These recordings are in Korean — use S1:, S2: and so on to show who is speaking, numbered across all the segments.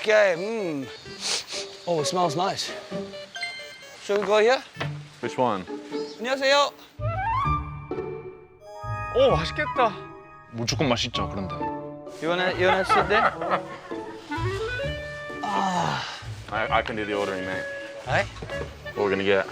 S1: Okay. Oh, it smells nice. Should we go here?
S2: Which one?
S1: 안녕하세요.
S3: 오, 맛있겠다.
S4: 무조건 맛있죠, 그런데.
S1: You wanna sit there?
S2: I can do the ordering, mate.
S1: Alright.
S2: What we're gonna get?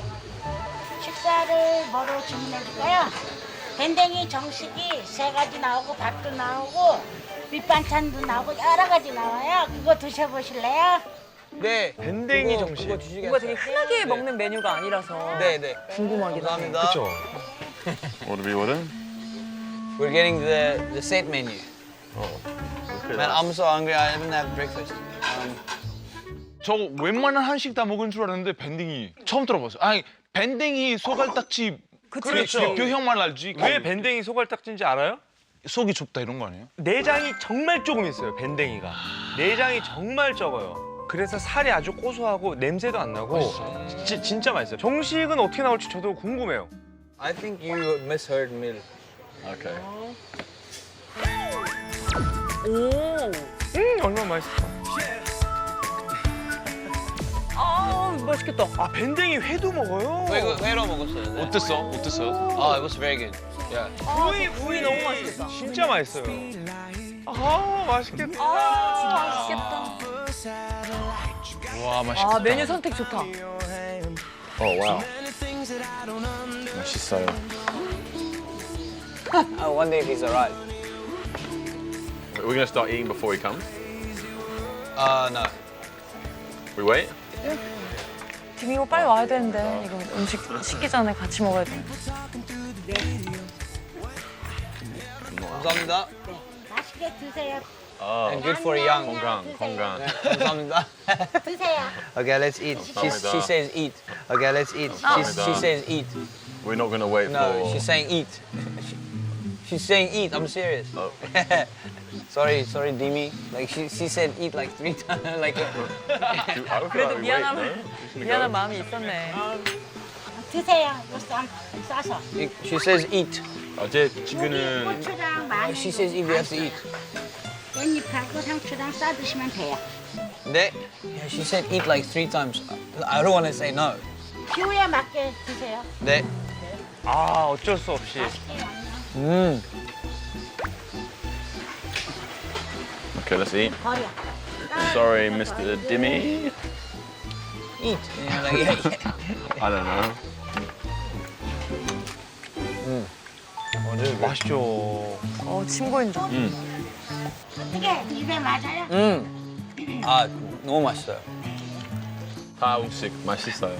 S5: 식사를 뭐로 주문해줄까요? 밴댕이 정식이 3가지 나오고 밥도 나오고 밑반찬도 나오고 여러 가지 나와요. 그거 드셔보실래요?
S1: 네.
S3: 밴댕이 정식.
S1: 그거 주시겠어요?
S6: 뭔가 되게 흔하게 먹는 메뉴가 아니라서
S1: 네.
S6: 궁금하긴 하네.
S1: 감사합니다.
S3: 그쵸?
S2: What are we ordering?
S1: We're getting the set menu.
S2: Okay,
S1: Man, I'm so hungry. I haven't had breakfast.
S4: 저 웬만한 한식 다 먹은 줄 알았는데 밴댕이 처음 들어봤어요. 아니, 밴댕이 소갈딱지
S3: 그렇죠.
S4: 뼈형만 알지.
S3: 왜 밴댕이 소갈딱지인지 알아요?
S4: 속이 좁다 이런 거 아니에요?
S3: 내장이 정말 조금 있어요, 밴댕이가. 내장이 정말 적어요. 그래서 살이 아주 고소하고 냄새도 안 나고 진짜 맛있어요. 정식은 어떻게 나올지 저도 궁금해요.
S1: I think you misheard me.
S2: Okay.
S6: 오,
S3: 얼마나 맛있을까.
S6: 아 맛있겠다.
S3: 아, 밴댕이 회도 먹어요?
S1: 회로 먹었어요. 네.
S4: 어땠어? 어땠어요?
S1: Oh, it was very good. Yeah.
S6: 구이 너무 맛있겠다.
S3: 진짜 맛있어요. 아, 맛있겠다.
S6: 아 맛있겠다.
S4: 와, 맛있겠다.
S6: 아 메뉴 선택 좋다.
S2: Oh wow. 맛있어요.
S1: I wonder if he's alright.
S2: We're gonna start eating before he comes.
S1: No.
S2: We wait.
S6: 디미고 빨리 와야 되는데 이거 음식 식기 전에 같이 먹어야 돼.
S1: 감사합니다.
S5: 맛있게 드세요.
S2: Oh.
S1: And good for a young.
S2: 건강.
S1: 감사합니다.
S5: 드세요.
S1: Okay, let's eat. She says eat. Okay, let's eat. She says eat.
S2: We're not gonna wait
S1: No,
S2: for.
S1: she's saying eat. She's saying eat. I'm serious.
S2: Oh.
S1: sorry, Dimi. Like she said eat like 3 times. Like.
S2: I feel
S6: 그래도
S2: like we wait, no?
S6: 미안한 마음이 있었네.
S5: 드세요. 이거 싸서.
S1: She says eat.
S2: 어제 지금은
S5: 고추장 마늘.
S1: She says eat. We have to eat.
S5: 깻잎하고 상추랑 싸 드시면 돼요.
S1: 네? Yeah, she said eat like 3 times. I don't want to say no.
S5: 기호에 맞게 드세요.
S1: 네.
S3: 아, 어쩔 수 없이.
S5: 맛있게 양념.
S2: Okay, let's eat.
S5: 버려.
S2: Sorry, Mr. Dimmy.
S1: Eat. Yeah, like, yeah.
S2: I don't know.
S3: 맛있죠.
S6: 침 고인다.
S5: 어떻게 입에 맞아요?
S1: 아, 너무 맛있어요.
S2: 다 음식 맛있어요.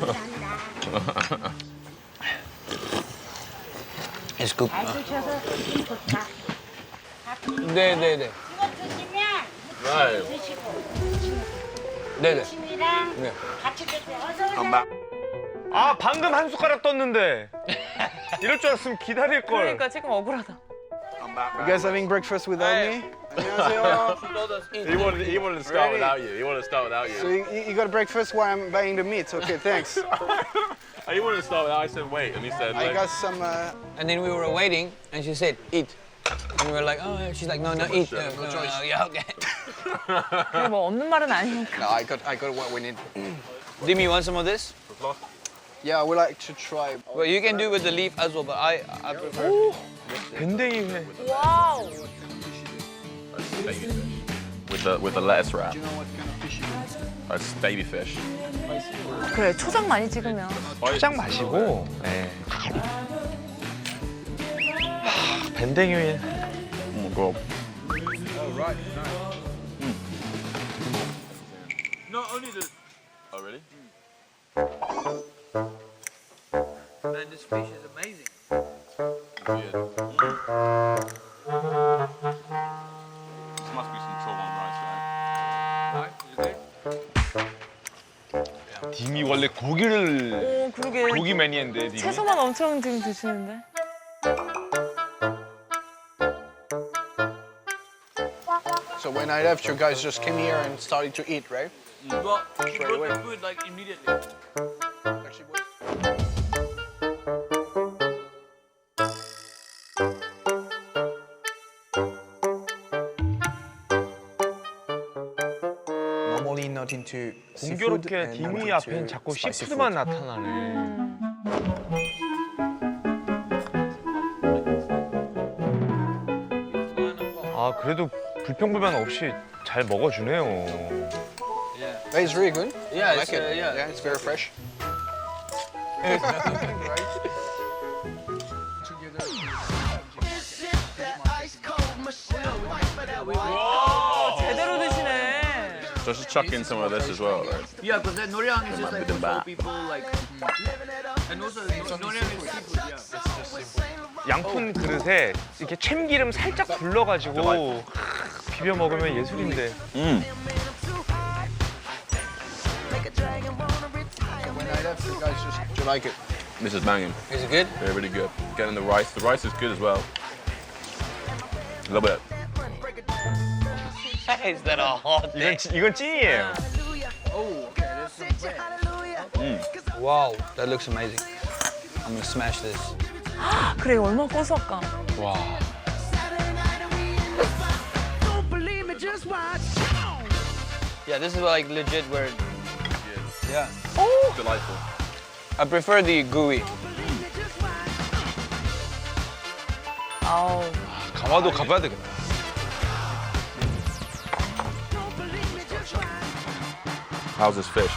S1: It's good.
S5: 잘 드셔서 기분 좋다.
S1: 네.
S5: 이거 드시면
S2: Right.
S5: 드시고
S1: 네네.
S5: 침이랑
S1: 네.
S5: 같이 드세요. 어서 오세요.
S3: 아, 방금 한 숟가락 떴는데. 이럴 줄 알았으면 기다릴 걸.
S6: 그러니까 지금 억울하다.
S7: You guys having breakfast without me? 안녕하세요.
S2: He wanted to start without you. He wanted to start without
S7: So
S2: you.
S7: you got breakfast while I'm buying the meat. Okay, thanks.
S2: He wanted to start without. I said wait, and he said.
S7: I
S2: like,
S7: got some.
S1: And then we were waiting, and she said eat. And we were like, oh, yeah. She's like, no, eat. No, yeah, okay.
S6: 그게 뭐 없는 말은 아니니까.
S7: No, I got what we need.
S1: Dimi, you want some of this?
S7: Yeah, I would like to try.
S1: Well, you can do with the leaf as well, but I prefer.
S3: 밴댕이 회.
S6: 와우.
S2: with the lettuce wrap. That's baby fish.
S6: 그래 초장 많이 찍으면.
S3: 초장 마시고. 네. 밴댕이 회.
S2: Oh my god.
S1: Not only the.
S2: Oh really?
S1: Man, this fish is amazing.
S2: This must be some trouble on rice, right?
S1: Right? Is it good?
S4: 딤이 원래 고기를
S6: 오 그러게.
S4: 고기 매니아인데 딤이.
S6: 채소만 엄청 지금 드시는데.
S7: So when I left, you guys just came here and started to eat, right?
S1: Well,
S7: Straight away.
S1: food like immediately.
S7: Actually, what- not into seafood
S3: 공교롭게
S7: and not
S3: 디미
S7: into
S3: 앞엔 자꾸
S7: spicy
S3: 시푸드만
S7: food.
S3: 나타나네. 아 그래도 불평불만 없이 잘 먹어주네요.
S7: But it's really good.
S1: Yeah,
S7: I like
S1: it's,
S7: it.
S1: yeah.
S7: Yeah, it's very fresh.
S6: 제대로 드시네.
S2: So just chuck in some of this as well, right?
S1: Yeah, because the noryang is just like
S2: Bit of that.
S1: people like. And also noryang is seafood. Yeah.
S3: 양푼 그릇에 이렇게 참기름 살짝 둘러가지고 비벼 먹으면 예술인데.
S7: When I left, you guys just do you like it?
S2: This is banging.
S1: Is it good?
S2: They're really good. Getting the rice. The rice is good as well. A little bit.
S1: Is that a hot
S3: 이건 찐이에요.
S1: Wow, that looks amazing. I'm gonna smash this.
S6: 그래 얼마나 고소할까.
S1: Yeah, this is like legit where. Yeah.
S2: Delightful.
S1: I prefer the gooey.
S6: 아우.
S3: 가마도 가봐야 되겠다.
S2: How's this fish?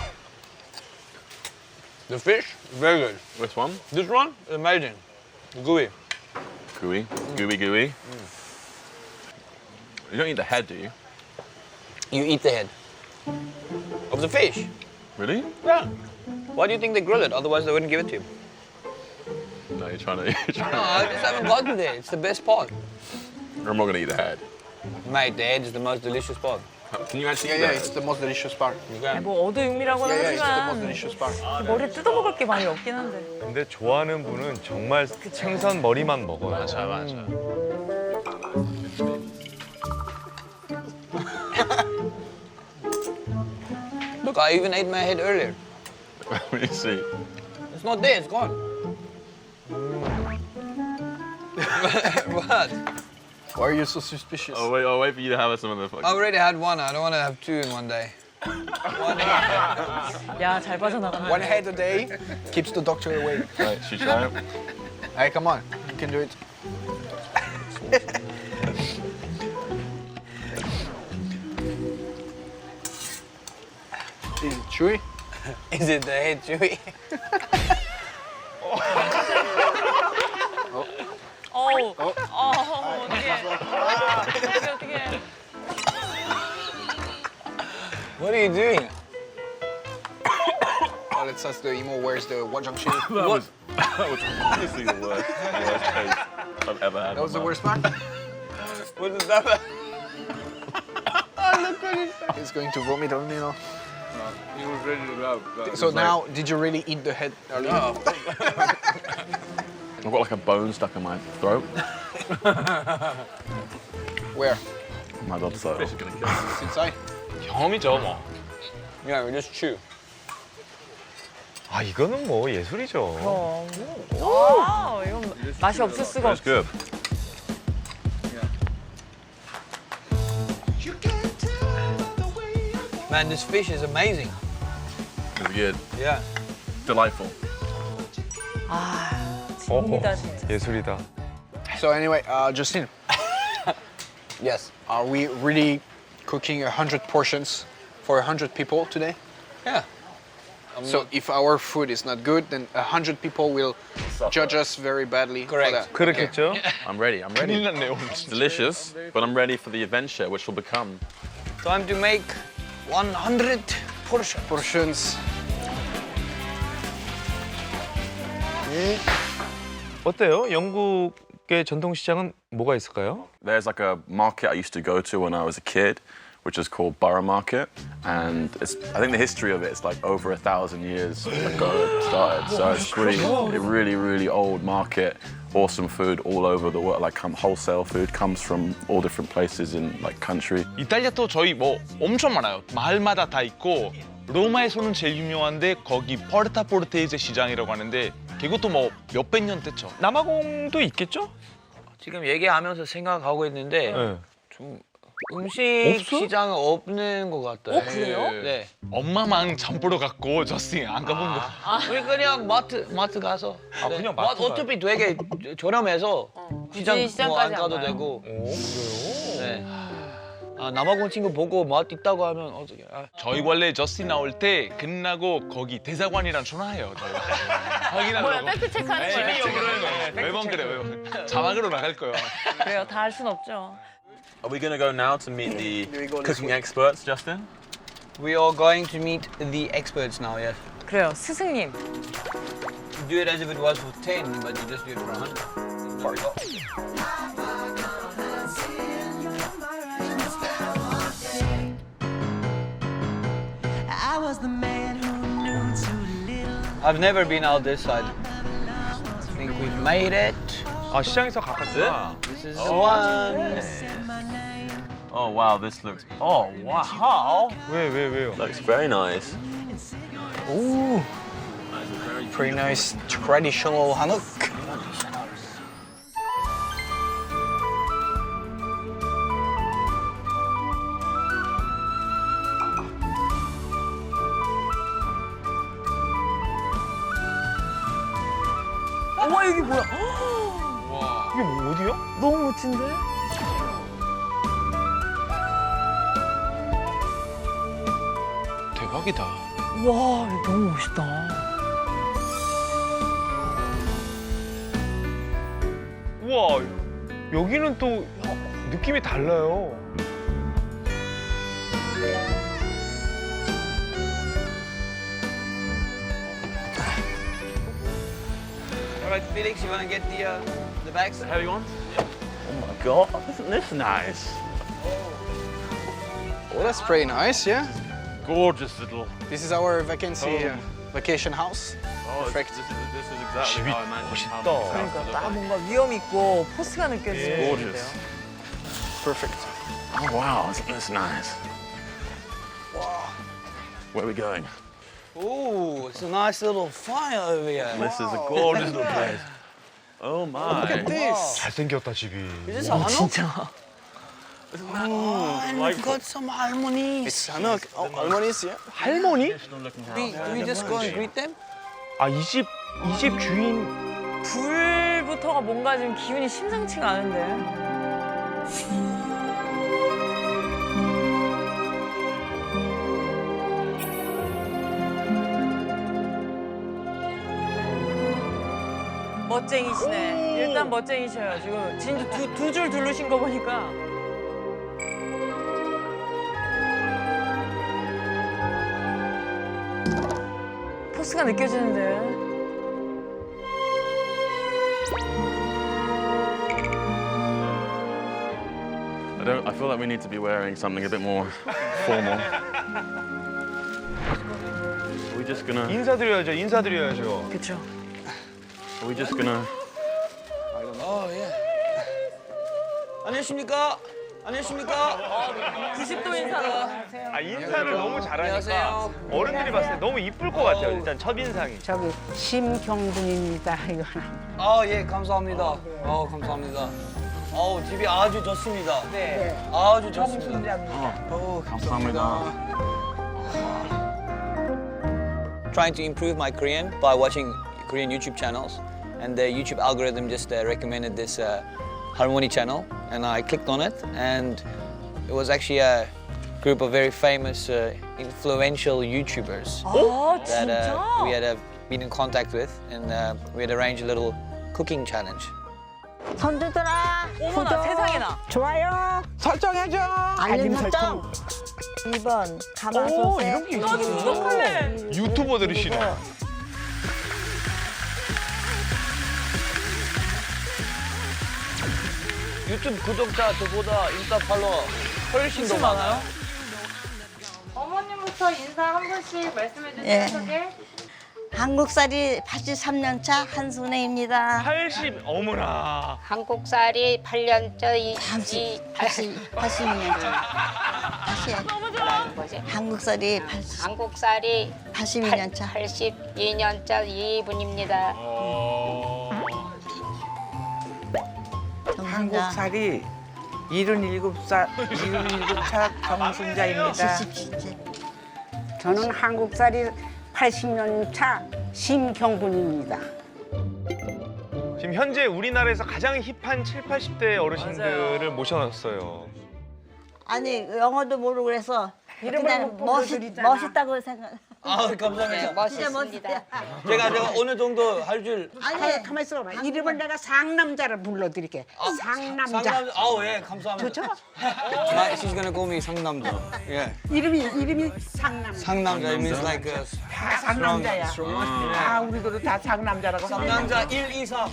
S1: The fish, very good.
S2: Which one?
S1: This one, amazing. Gooey.
S2: Gooey. Gooey, gooey. You don't eat the head, do you?
S1: You eat the head of the fish.
S2: Really?
S1: Yeah. Why do you think they grill it? Otherwise, they wouldn't give it to you.
S2: No, you're trying to.
S1: No, I just haven't gotten there. It's the best part.
S2: I'm not gonna eat the head.
S1: Mate, the head is the most delicious part.
S2: Can you actually
S7: Yeah,
S2: eat
S7: yeah,
S2: the
S7: it's
S2: head?
S7: the most delicious part.
S1: You can.
S6: 뭐 어두육미라고는
S7: Yeah, yeah, it's the most
S6: 하지만
S7: delicious part.
S6: 머리 뜯어먹을 게 많이 없긴 한데.
S3: 근데 좋아하는 분은 정말 생선 머리만 먹어요.
S4: 맞아.
S1: Look, I even ate my head earlier.
S2: Let me see.
S1: It's not there, it's gone. What?
S7: Why are you so suspicious?
S2: I'll wait for you to have some of the.
S1: I already had one. I don't want to have two in one day.
S6: 야, 잘 빠져나간다.
S7: One head a day keeps the doctor away.
S2: Right, should you try it?
S7: Hey, come on, you can do it. Is it chewy?
S1: Is it the head chewy?
S6: 어우. 어떡해. 어떡해.
S1: What are you doing?
S7: Well, let's ask the emo where's the Wajang chili.
S1: What?
S2: That was honestly the worst taste I've ever had.
S7: That was the
S2: in my
S7: worst part.
S1: What is that?
S7: He's going to vomit on me now.
S2: He was ready to go.
S7: So now, did you really eat the head earlier?
S1: No.
S2: I've got like a bone stuck in my throat.
S7: Where?
S2: My God, so.
S7: It's inside.
S3: 경험이죠 뭐.
S1: Yeah, we just chew.
S3: 아 이거는 뭐 예술이죠.
S6: 와, 이건 맛이 없을 수가
S2: It's
S6: 없어.
S2: good.
S1: Man, this fish is amazing.
S2: It's good.
S1: Yeah.
S2: Delightful.
S6: 진이다 진짜.
S3: 예술이다.
S7: So anyway, Justin,
S1: Yes.
S7: are we really cooking 100 portions for 100 people today?
S1: Yeah.
S7: So if our food is not good, then 100 people will judge us very badly
S1: Correct.
S7: for that.
S3: 그렇겠죠?
S2: I'm ready. I'm
S4: 큰일
S2: ready.
S4: 났네 오늘
S2: It's
S4: 진짜.
S2: delicious, but I'm ready for the adventure which will become.
S1: Time to make 100 portions.
S7: Portions.
S3: 어때요? 영국의 전통시장은 뭐가 있을까요?
S2: There's like a market I used to go to when I was a kid, which is called Borough Market, and I think the history of it is like over 1,000 years ago it started. So it's really old market. Awesome food all over the world. Like wholesale food comes from all different places in like country.
S4: 이탈리아도 저희 뭐 엄청 많아요. 마을마다 다 있고 로마에서는 제일 유명한데 거기 포르타포르테이제 시장이라고 하는데 그것도 뭐 몇백 년 됐죠.
S3: 남아공도 있겠죠?
S1: 지금 얘기하면서 생각하고 있는데
S3: 네.
S1: 좀 음식
S3: 없어?
S1: 시장은 없는 것 같아요.
S6: 그래요?
S1: 네.
S4: 엄마만 장 보러 갔고 저스틴 안 가본 거.
S1: 우리 그냥 마트 가서.
S3: 아, 그냥 마트 가요?
S1: 어차피 되게 저렴해서 시장
S6: 굳이
S1: 뭐안
S6: 시장까지 안
S1: 가도
S6: 가요?
S1: 되고.
S3: 오, 그래요?
S1: 네. 아, 남아공 친구 보고 맛 있다고 하면 어떻게? 아,
S4: 저희 원래 저스틴 나올 때 끝나고 거기 대사관이랑 전화해요. 저희. 확인하려고.
S6: 뭐야 팩트 체크하는 거예요?
S4: 매번 그래 매번. 자막으로 나갈 거예요.
S6: 그래요. 다 알 순 없죠.
S2: Are we going to go now to meet the
S7: we go this
S2: cooking
S7: way?
S2: experts, Justin?
S1: We are going to meet the experts now. Yes.
S6: 그래요. 스승님.
S1: Do it as if it was for 10, but you just do it for 100.
S8: I was the man who knew too little.
S1: I've never been out this side. I think we've made it.
S3: 아, 시장에서 가깝구나.
S1: This is the one.
S2: Oh wow, this looks. Oh wow,
S3: 왜요?
S2: looks very nice.
S1: Ooh. Pretty nice traditional hanok.
S6: 어머 여기 뭐야?
S3: 이게 뭐 어디야?
S6: 너무 멋진데?
S4: 대박이다.
S6: 와 이거 너무 멋있다.
S3: 우와, 여기는 또 느낌이 달라요.
S1: All right, Felix, you want to get the bags?
S2: Heavy ones? Oh my god, isn't this nice?
S7: Oh, that's pretty nice, yeah.
S2: Gorgeous little.
S7: This is our vacation house.
S2: Oh,
S7: Perfect.
S2: This is exactly how I imagined how
S3: 멋있다.
S2: my house
S6: 그러니까
S2: would look
S6: 딱
S2: like.
S6: 뭔가 위험 있고 포스가 느껴지는
S2: Gorgeous.
S6: 건데요.
S7: Perfect.
S2: Oh wow, isn't this nice? Where are we going?
S1: Ooh, it's a nice little fire over here.
S2: This is a gorgeous little place. Oh my.
S7: Look at this.
S3: 잘생겼다, 집이.
S1: Is this a hanok?
S6: 진짜.
S1: Oh, and we've got some harmonies.
S7: It's Hanok. Oh, Almonis, yeah.
S3: 할머니?
S1: We just go and greet them?
S3: 아, 이 집 주인.
S6: 불부터가 뭔가 지금 기운이 심상치가 않은데. 멋쟁이시네. 일단 멋쟁이셔요. 지금 진짜 두 줄 두르신 거 보니까. 포스가 느껴지는데.
S2: I feel like we need to be wearing something a bit more formal. Are we just gonna?
S3: 인사드려야죠.
S6: 그렇죠.
S2: Are we just gonna?
S1: Oh, yeah. 안녕하십니까? 안녕하십니까?
S6: 90도 인사로.
S3: 아, 인사를 너무 잘하니까
S1: 안녕하세요.
S3: 어른들이 봤을 때 너무 이쁠 것 같아요. 일단 첫인상이.
S5: 저기 심경분입니다. 이거는.
S1: 아, 예, 감사합니다. 감사합니다. 집이 아주 좋습니다.
S6: 네.
S1: 아주 좋습니다.
S2: 감사합니다.
S1: Trying to improve my Korean by watching Korean YouTube channels, and the YouTube algorithm just recommended this Harmony channel, and I clicked on it, and it was actually a group of very famous, influential YouTubers
S6: 아
S1: that
S6: 진짜?
S1: we had been in contact with, and we had arranged a little cooking challenge.
S5: 손주들아,
S6: 어머나
S5: 구독,
S6: 세상에나.
S5: 좋아요,
S1: 설정해줘.
S5: 알림 설정. 2번 가마솥에
S3: 이런 게
S6: 나도 구독할래.
S3: 유튜버들이시네.
S1: 유튜브 구독자 저보다 인스타 팔로워 훨씬 더 많아요.
S9: 어머님부터 인사 한 분씩 말씀해 주세요.
S5: 예.
S9: 소개.
S5: 한국살이 83년 차 한순애입니다.
S3: 80 어머나.
S9: 한국살이 8년째
S5: 82년 차. 다시
S9: 뭐지?
S5: 한국살이
S9: 한국살이
S5: 82년 차.
S9: 82년째 이분입니다.
S5: 한국살이
S10: 77차 정순자입니다.
S5: 저는 한국살이 80년 차 심경분입니다.
S3: 지금 현재 우리나라에서 가장 힙한 7, 80대 어르신들을 모셔놨어요.
S11: 아니 영어도 모르고 그래서
S5: 이름을
S11: 그냥
S5: 못 불러드리잖아.
S11: 멋있다고 생각.
S1: 아, 감사합니다.
S9: 멋있습니다.
S1: 제가 어느 정도 할 줄.
S5: 아니 가만 있어봐. 이름을 내가 상남자를 불러드릴게. 상남자.
S1: 예, 감사합니다.
S5: 좋죠?
S1: She's gonna call me 상남자. Yeah.
S5: 이름이 상남자.
S1: 상남자 it means like
S10: 다 상남자야. 아, 우리도 다 상남자라고
S1: 상남자 1, 2, 3.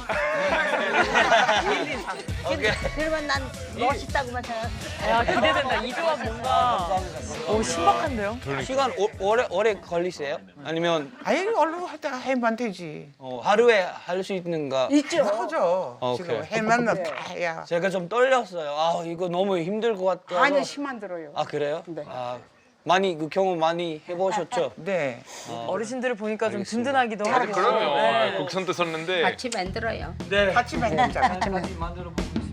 S1: 오케이.
S11: 그러면 난 멋있다고만 생각.
S6: 야 기대된다. 이 조합 뭔가 오 신박한데요?
S1: 시간 오래 걸리세요? 아니면
S10: 아니, 얼른 하다가 해만 되지.
S1: 하루에 할 수 있는가?
S10: 있죠. 하죠.
S1: 오케이.
S10: 지금 해만 다 해야.
S1: 제가 좀 떨렸어요. 아, 이거 너무 힘들 것 같아서.
S5: 아니 힘안 들어요.
S1: 아, 그래요?
S5: 네.
S1: 아, 많이 그 경험 많이 해보셨죠?
S10: 네.
S6: 어르신들을 보니까 좀 든든하기도 하고.
S4: 그럼요.
S6: 네.
S4: 곡선도 썼는데
S9: 같이 만들어요.
S1: 네.
S10: 같이 만들자.
S1: 같이 만들어 보고 있습니다.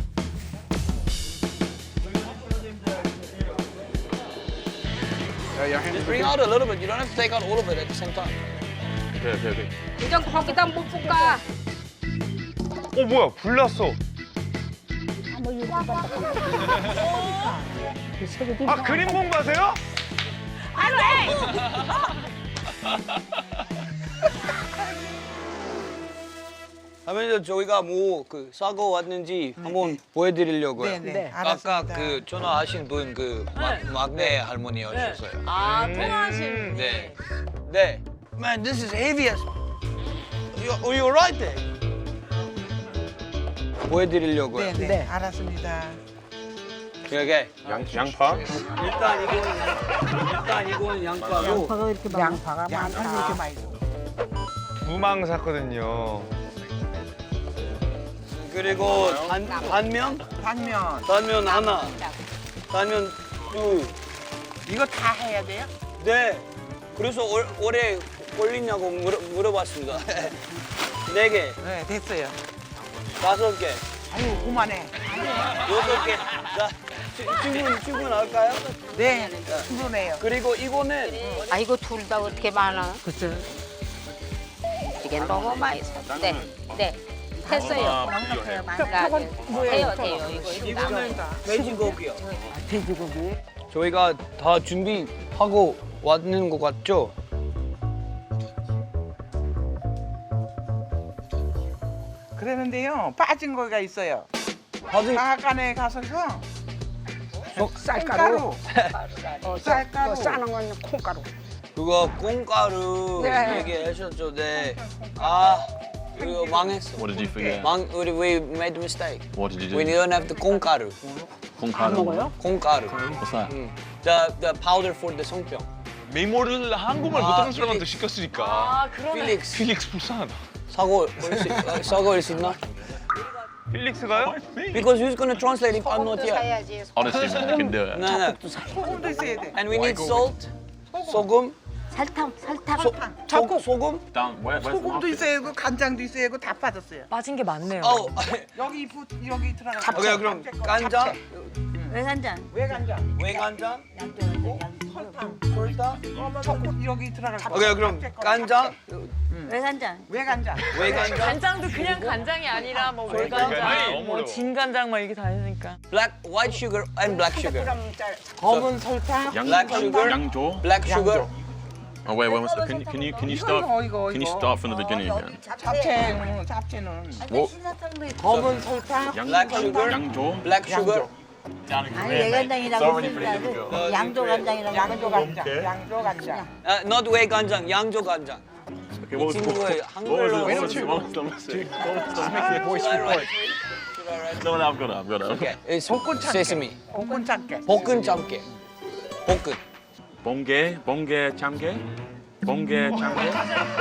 S1: Just bring out a little bit. You don't have to take out all of it at the same time.
S2: 오케이.
S9: 그냥 거기다 못 볶아.
S3: 뭐야 불났어. 아 그림 공부하세요?
S1: 하면서 저희가 뭐 그 사고 왔는지 한번 보여드리려고요.
S10: 네.
S1: 아까
S10: 알았습니다.
S1: 그 전화하신 분 그 막내 할머니였어요.
S6: 아 통화하신.
S1: 네. 네. Man, this is heavy as. You right there? 보여드리려고요.
S10: 네. 알았습니다.
S1: 이렇게
S2: 양파?
S1: 일단 이거는 양파고.
S5: 양파가
S10: 양파
S5: 많다.
S10: 이렇게 많이 줘.
S3: 무망 샀거든요.
S1: 그리고 단면 하나, 단면 둘.
S10: 이거 다 해야 돼요?
S1: 네. 그래서 오래 걸리냐고 물어봤습니다. 4개,
S10: 네, 됐어요.
S1: 5개,
S10: 아유, 그만해.
S1: 6개. 자, 충분할까요?
S10: 네, 충분해요.
S1: 그리고 이거는
S9: 아이고 둘 다 어떻게 많아?
S10: 그쵸.
S9: 이게 너무 맛있어. 네. 됐어요. 돼요.
S1: 이거는 돼지고기요.
S5: 돼지고기.
S1: 저희가 다 준비하고 왔는 것 같죠?
S10: 그러는데요, 빠진 거가 있어요.
S1: 빠진
S10: 마가간에 가서서
S5: 쌀가루.
S10: 쌀가루.
S5: 싸는 건 콩가루.
S1: 그거 콩가루
S5: 네.
S1: 얘기하셨죠? 네. 아, 그거 망했어.
S2: What did you forget?
S1: We made a mistake.
S2: What did you do?
S1: We don't have the 콩가루.
S2: 콩가루.
S1: 콩가루.
S2: What's that?
S1: The powder for the 송병.
S4: 메모를 한국말 못하는 사람한테
S1: 필릭스.
S4: 시켰으니까.
S6: 아 그러네.
S1: 필릭스.
S4: 필릭스 불쌍하다.
S1: 사고 올 수 있나?
S3: 필릭스가요?
S1: Because who's gonna translate if I'm not here?
S9: 사야지.
S2: Honestly, man, I can do it.
S1: No.
S10: 소금도 있어야 돼.
S1: And we need salt. 소금.
S11: 설탕.
S1: 소금.
S2: Down, where's the
S10: 소금도
S2: market?
S10: 있어야 하고 간장도 있어야 하고 다 빠졌어요.
S6: 빠진 게 많네요.
S10: 여기 들어가.
S1: 오케이, 그럼 간장,
S11: 외간장.
S10: 외간장.
S1: 외간장,
S10: 설탕.
S1: 설탕.
S10: 조금 여기 들어갈.
S1: 오케이, 그럼 간장,
S11: 외간장.
S10: 외간장.
S1: 외간장,
S6: 간장도 그냥 간장이 아니라 뭐
S4: 아니,
S6: 외간장,
S4: 너무
S6: 뭐
S4: 어려워.
S6: 진간장 막 이렇게 다 있으니까.
S1: white sugar and black sugar.
S10: 검은 설탕.
S1: Black sugar,
S2: 양조?
S1: black sugar.
S2: Oh wait, can you start?
S10: 이거.
S2: Can you start from the beginning again?
S10: 잡채는
S2: 뭐?
S11: 신사탕도 있고.
S10: 검은 설탕.
S1: Black sugar,
S2: 양조?
S1: black sugar.
S11: 아니 외간장이라고 쓰지 양조 간장이라고.
S10: 양조 간장.
S1: Not 외간장, 양조 간장.
S2: Okay, what was
S1: 친구의
S2: it?
S1: 한글로.
S2: No, I've got it.
S1: Okay, it's
S10: 볶은 참깨.
S1: sesame.
S10: 볶은 참깨.
S1: 볶은 참깨. 볶은.
S2: 봉게 참게? 봉게 참게?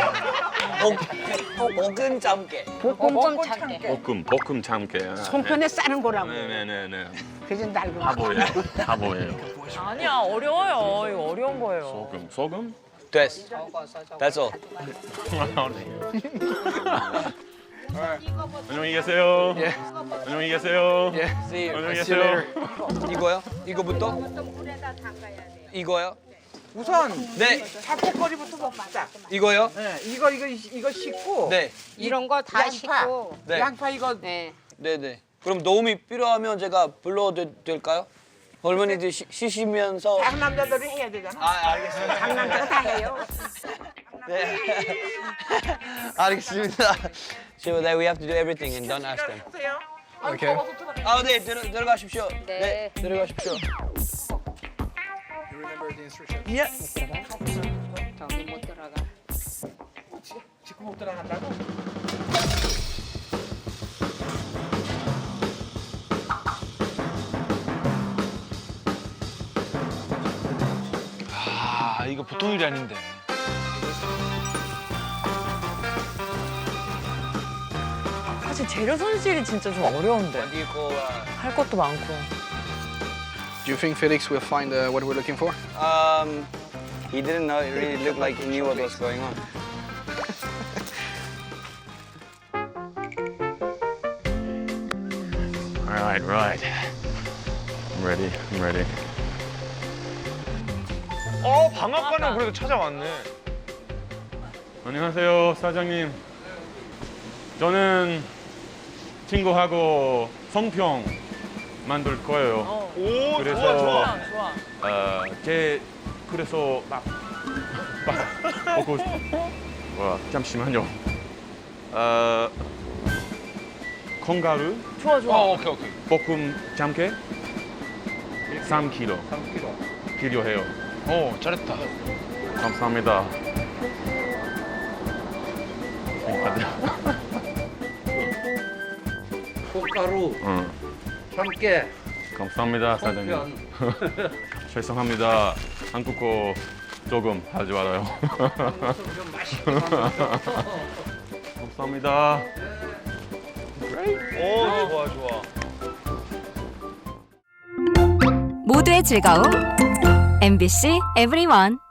S1: 볶은 참깨.
S9: 볶음 참깨.
S2: 볶음 참게.
S5: 송편에 싸는 거라고.
S2: 네네네.
S5: 그래서 낡은 거.
S2: 바보예요.
S6: 아니야 어려워요. 이거 어려운 거예요.
S2: 소금?
S1: 됐어. That's all.
S2: 안녕히 계세요.
S7: Yeah.
S2: 안녕히 계세요.
S7: Yeah.
S1: See you.
S2: 안녕히
S7: See you
S2: 계세요.
S7: later.
S1: 이거요? 이거부터? 이거요?
S10: 우선
S1: 네.
S10: 잡곡거리부터 먹자.
S1: 이거요?
S10: 네, 이거 씻고.
S1: 네.
S9: 이런 거 다
S10: 양파.
S9: 씻고.
S1: 네.
S10: 양파 이거
S9: 네.
S1: 네네. 그럼 도움이 필요하면 제가 불러도 될까요? 할머니들 씻으면서.
S10: 장남자들이 해야 되잖아.
S1: 아, 알겠습니다.
S10: 장남자가 다 해요.
S1: 네. 알겠습니다. So that we have to do everything and don't ask them.
S10: 보세요.
S7: Okay.
S1: 아, 네, 들어가십시오.
S9: 네.
S1: 들어가십시오.
S7: You remember the instructions?
S10: 예.
S9: 저기 못 들어가.
S10: 지금 못 들어간다고?
S4: 아 이거 보통 일이 아닌데.
S6: 사실 재료 손질이 진짜 좀 어려운데.
S1: What do you call,
S6: 할 것도 많고.
S7: Do you think Felix will find what we're looking for?
S1: he didn't know. It really looked like he knew what was going on.
S2: Right, right. I'm ready. I'm ready.
S3: 방앗간은 그래도 찾아왔네.
S2: 안녕하세요, 사장님. 저는 친구하고 성평 만들 거예요.
S3: 오,
S2: 그래서
S3: 좋아.
S2: 그래서 막 먹고 잠시만요. 콩가루
S6: 좋아, 좋아.
S3: 오케이.
S2: 볶음 참깨 3kg 필요해요.
S4: 오 잘했다.
S2: 감사합니다.
S10: 꽃가루,
S2: 응.
S10: 참깨,
S2: 감사합니다, 사장님. 죄송합니다. 한국어 조금 하지 말아요.
S10: 좀 맛있게 만들어서.
S2: 감사합니다.
S3: 오, 좋아.
S12: 모두의 즐거움 MBC EVERYONE